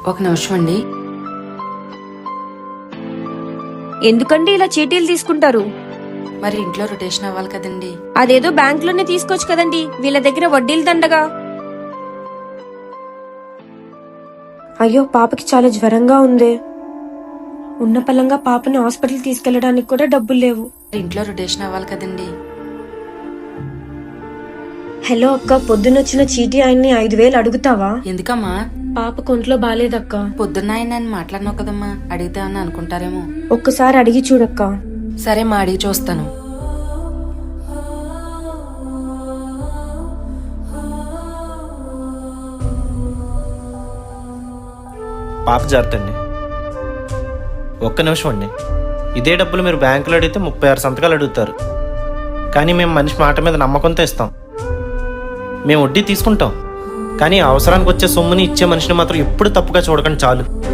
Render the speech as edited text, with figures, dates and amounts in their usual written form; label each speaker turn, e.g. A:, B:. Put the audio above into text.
A: ఒక నిమిషం అండి.
B: ఎందుకండి ఇలా చీటీలు తీసుకుంటారు?
A: మరి ఇంట్లో రొటేషన్ అవ్వాలి కదండి.
B: అదేదో బ్యాంక్ లోనే తీసుకోవచ్చు కదండి, వీళ్ళ దగ్గర వడ్డీలు దండగా. అయ్యో, పాపకి చాలా జ్వరంగా ఉంది. ఉన్న పలంగా పాపని హాస్పిటల్ తీసుకెళ్లడానికి కూడా డబ్బులు లేవు.
A: ఇంట్లో రొటేషన్ అవ్వాలి కదండి.
B: హలో అక్క, పొద్దునొచ్చిన చీటీ ఆయన్ని 5,000 అడుగుతావా?
A: ఎందుకమ్మా?
B: పాప కొంట్లో బాలేదక్క.
A: పొద్దున్న ఆయన నన్ను మాట్లాడినావు కదమ్మా, అడిగితే అని అనుకుంటారేమో.
B: ఒక్కసారి అడిగి చూడక్క.
A: సరే మా అడిగి చూస్తాను.
C: పాప జాగ్రత్తండి. ఒక్క నిమిషం అండి. ఇదే డబ్బులు మీరు బ్యాంకులో అడిగితే 36 సంతకాలు అడుగుతారు. కానీ మేము మనిషి మాట మీద నమ్మకంతో ఇస్తాం. మేము వడ్డీ తీసుకుంటాం, కానీ అవసరానికి వచ్చే సొమ్ముని ఇచ్చే మనిషిని మాత్రం ఎప్పుడు తప్పుగా చూడకండి చాలు.